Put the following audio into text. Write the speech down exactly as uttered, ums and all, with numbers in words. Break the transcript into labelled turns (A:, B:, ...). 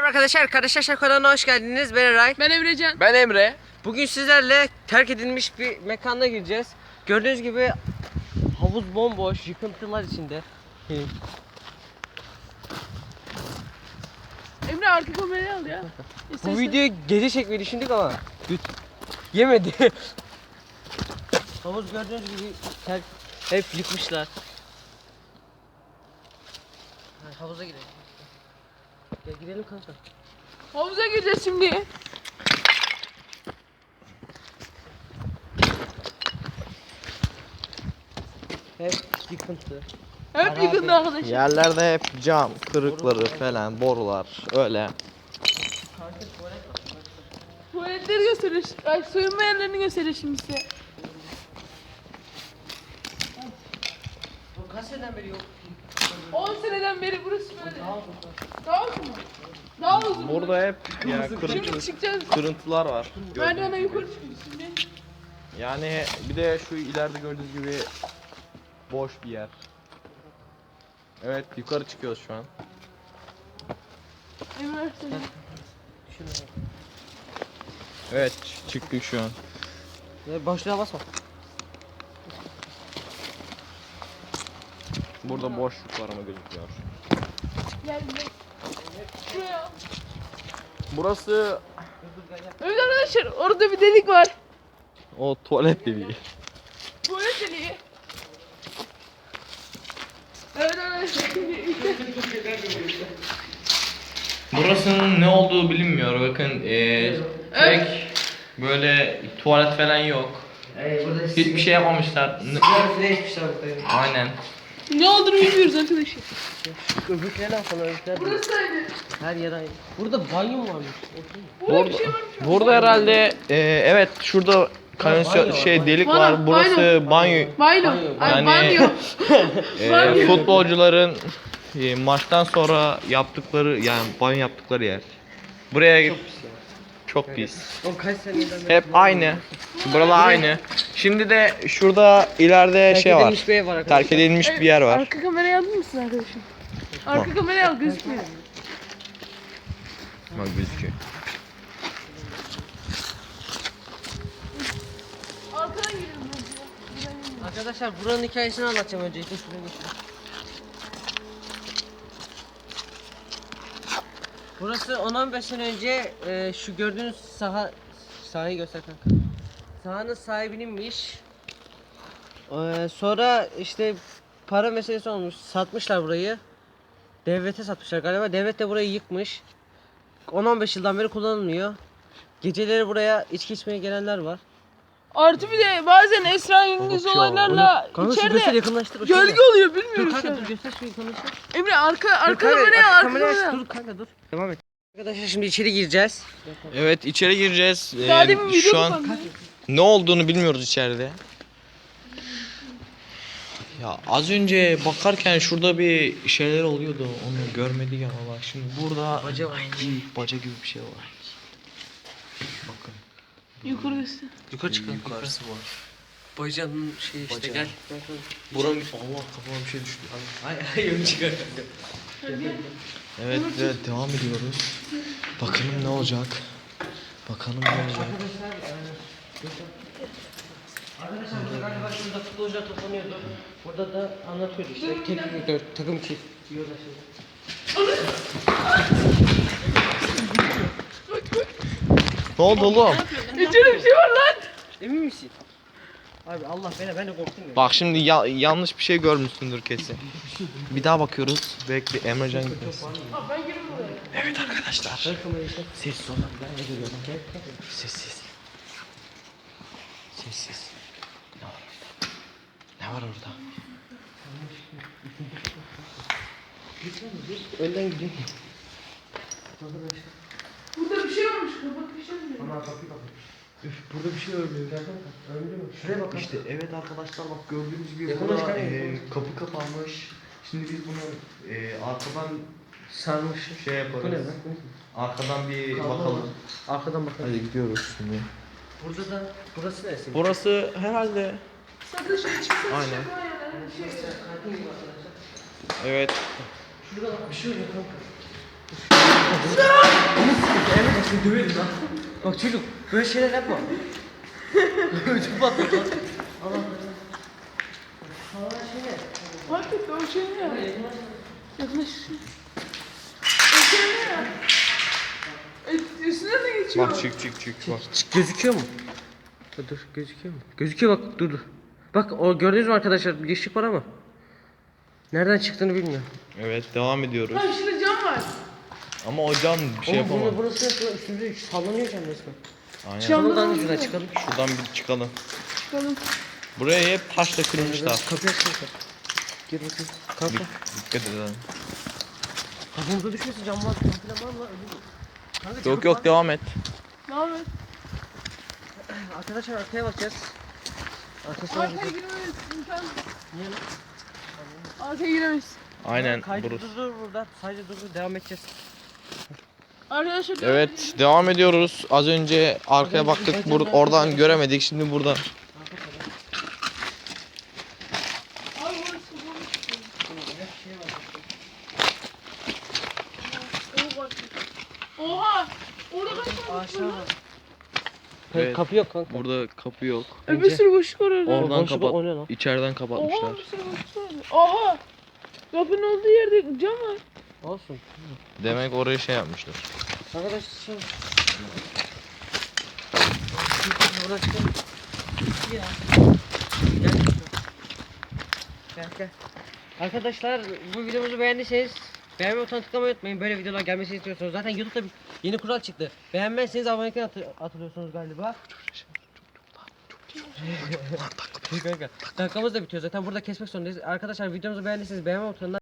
A: Merhaba arkadaşlar, Arkadaşlar kanalına hoş geldiniz. Ben Eray.
B: Ben Emrecan.
C: Ben Emre.
A: Bugün sizlerle terk edilmiş bir mekana gireceğiz. Gördüğünüz gibi havuz bomboş, yıkıntılar içinde.
B: Emre arka kamerayı al ya.
A: Bu
B: İstersen.
A: videoyu gece çekmeyi düşündük ama güt yemedi. Havuz gördüğünüz gibi terk, hep yıkmışlar. Ha, havuza girelim. Gel girelim kanka.
B: Havuza gireceğiz şimdi.
A: Hep yıkıntı.
B: Hep
A: Harabe.
B: yıkıldı arkadaşlar.
C: Yerlerde hep cam, kırıkları falan, borular öyle.
B: Tuvaletleri gösterir. Ay soyunma yerlerini gösterir şimdi size.
A: Bu kaç seneden beri yok?
B: on seneden beri burası böyle. Daha uzun mu? Daha uzun.
C: Burada hep ya
B: Şimdi
C: kırıntı,
B: çıkacağız.
C: kırıntılar var.
B: Merdivene yukarı çıkıyoruz şimdi.
C: Yani bir de şu ileride gördüğünüz gibi boş bir yer. Evet, yukarı çıkıyoruz şu an.
B: Emre sen.
A: Şunu.
C: Evet, ç- çıktık şu an.
A: Ya boşluğa basma.
C: Burada boşluk var ama gözükmüyor.
B: Gel gel. Şuraya.
C: Burası
B: Evet arkadaşlar orada bir delik var.
C: o tuvalet deliği.
B: Tuvalet deliği. Evet arkadaşlar.
C: Burasının ne olduğu bilinmiyor. Bakın ee, tek böyle tuvalet falan yok.
A: Hey, burada
C: Hiçbir şey yapmamışlar. N-
A: sigara bile içmişler burada.
C: Aynen.
B: Ne olduğunu bilmiyoruz arkadaşlar.
A: Öbürküne lan falan öbürküler.
B: Burasıydı.
A: Her yer aynı. Burada banyo mu varmış?
B: Burada bir şey varmış.
C: Burada herhalde e, evet şurada kanalisyon
A: banyo var,
C: şey
A: banyo.
C: delik
B: Banyo,
C: var. Burası banyo.
B: Banyo.
A: Banyo.
B: Ay
C: Yani-
B: banyo.
C: E,
B: Banyo.
C: futbolcuların e, maçtan sonra yaptıkları yani banyo yaptıkları yer. Buraya
A: Çok pis ya.
C: çok pis.
A: O kaç seneden beri.
C: Hep aynı. Buralar aynı. Şimdi de şurada ileride
A: Terk
C: şey var.
A: edilmiş bir ev var arkadaşlar.
C: Terk edilmiş bir yer var.
B: Arka kamerayı alır mısın arkadaşım? Arka kamerayı al gözükmüyor.
C: Bak gözüküyor.
B: Arkadan girelim bence.
A: Arkadaşlar buranın hikayesini anlatacağım öncelikle. Şuraya geçelim. Burası on on beş sene önce e, şu gördüğünüz saha sahayı göster kanka. Sahanın sahibininmiş. E, sonra işte para meselesi olmuş. Satmışlar burayı. Devlete satmışlar galiba. Devlet de burayı yıkmış. on on beş yıldan beri kullanılmıyor. Geceleri buraya içki içmeye gelenler var.
B: Artı bir de bazen esrarengiz olaylarla
A: Kanka şu göster
B: içeride
A: yakınlaştır.
B: gölge oluyor
A: Dur
B: bilmiyoruz
A: kanka
B: şu
A: dur
B: an.
A: göster şu yakınlaştır.
B: Emre arka arka
A: Dur kanka,
B: kamerayı al arka
A: kamerayı aç.
B: kamerayı al.
A: Dur kanka dur. Devam et. Arkadaşlar şimdi içeri gireceğiz.
C: Evet, içeri gireceğiz. Ee,
B: Daha demin video
C: şu an
B: kapandı.
C: ne olduğunu bilmiyoruz içeride. Ya az önce bakarken şurada bir şeyler oluyordu. Onu görmedik ama bak şimdi burada
A: Baca var.
C: büyük baca gibi bir şey var. Bakın.
B: Yukarı göster.
A: Yukarı çıkalım.
C: Yukarısı var.
A: Bacanın şey işte
C: Baca.
A: gel.
C: Buranın Allah kafama bir şey düştü.
A: Ay ay yolu çıkar.
C: Evet ve devam ediyoruz. Bakalım ne olacak. Bakalım ne olacak.
A: Arkadaşlar burada galiba şurada futbolcular toplanıyordu. Burada da anlatıyordu işte. Teknik direktör, takım çift. Diyorlar şimdi.
C: Ne oldu oğlum?
B: İçeride bir şey var lan.
A: Emin misin? Abi Allah beni ben de korktum ya.
C: Bak şimdi ya- yanlış bir şey görmüşsündür kesin. Bir daha bakıyoruz. Bekle Emrecan gitmesin.
B: Abi ben gireyim buraya.
C: Evet arkadaşlar.
A: Ver kamerayı işte.
C: Sessiz olun. Ben ne görüyorum? Sessiz. Sessiz. Ne var orada? Ne var orada?
A: Önden gideyim.
B: Burada bir şey varmış. Kapat bir şey mi?
A: Ana kapıyı kapat. Üf burada bir şey örülüyor. Gel bak. Örülüyor mu? Şuraya bak.
C: İşte evet arkadaşlar bak gördüğünüz gibi
A: Yakınlaş
C: burada
A: kanka,
C: e,
A: yakınlaş.
C: kapı kapanmış. Şimdi biz bunu e, arkadan
A: Sarmış.
C: şey yaparız.
A: Bu ne lan? Bu ne?
C: Arkadan bir
A: Kaldı
C: bakalım.
A: mı? Arkadan bakalım.
C: Hadi gidiyoruz şimdi.
A: Burada da burası neresi?
C: Burası herhalde
B: Sakın şey çıksın.
C: Aynen.
B: Şey.
A: Kantin gibi arkadaşlar.
C: evet.
A: Şurada bak bir şey oluyor kanka. seni döverim lan. Bak çocuk böyle şeyler yapma. Ödüm patladı lan. Allah Allah. Allah şey ne?
B: Hakikaten o şey ne ya? Yaklaş. O şey ne ya? E, üstüne de geçiyor.
C: Bak çık çık çık bak.
A: Çık, gözüküyor mu? Dur, dur gözüküyor mu? Gözüküyor bak dur dur. Bak o gördünüz mü arkadaşlar bir ışık var ama. Nereden çıktığını bilmiyorum.
C: Evet devam ediyoruz.
B: Ha şimdi cam var.
C: Ama o cam bir şey
A: Oğlum
C: yapamam.
A: bunu, burası nasıl üstümüze sallanıyor cam resmen.
C: Aynen.
B: Cam-
A: Buradan ucuna çıkalım.
C: Şuradan bir çıkalım.
B: Çıkalım.
C: Buraya hep taşla kırmışlar.
A: Kapıyı açsana. Gir bakayım. Kanka.
C: Dikkat edelim.
A: Kafamıza düşmesin cam var. Cam falan var mı? Kanka, cam
C: Yok yok
A: var.
C: devam et.
B: Ne yapıyorsun?
A: Arkadaşlar arkaya bakacağız. Arkasına
B: Arkaya
A: bakacağız.
B: giremeyiz. İmkan.
A: Niye lan?
B: Arkaya giremeyiz.
C: Aynen
A: Kaydı
C: burası.
A: durdur burada. Sadece durdur devam edeceğiz.
B: Arkadaşlar.
C: Evet devam ediyoruz. Az önce arkaya baktık. Bur oradan göremedik. Şimdi buradan.
B: Abi burası bu. Oha! Orada kaç tane boşluk
A: Aşağı
B: var?
A: bak.
C: Evet.
A: Kapı yok kanka.
C: Burada kapı yok.
B: E, bir sürü boşluk var orada.
C: Oradan
A: boşluk
C: kapat.
A: o ne lan?
C: İçeriden
B: Oha
C: kapatmışlar.
B: bir sürü boşluk var. Oha! Kapının olduğu yerde cam var.
A: Olsun.
C: Demek oraya şey yapmışlar.
A: Arkadaşlar şimdi. Buradan çıkalım. Ya. Gel. Gel gel. Arkadaşlar bu videomuzu beğendiyseniz beğenme butonuna tıklamayı unutmayın. Böyle videolar gelmesini istiyorsanız. Zaten YouTube'da bir yeni kural çıktı. Beğenmezseniz abonelikten atı atılıyorsunuz galiba. Kanka, dakikamız da bitiyor zaten burada kesmek zorundayız. Arkadaşlar videomuzu beğendiyseniz beğenme butonuna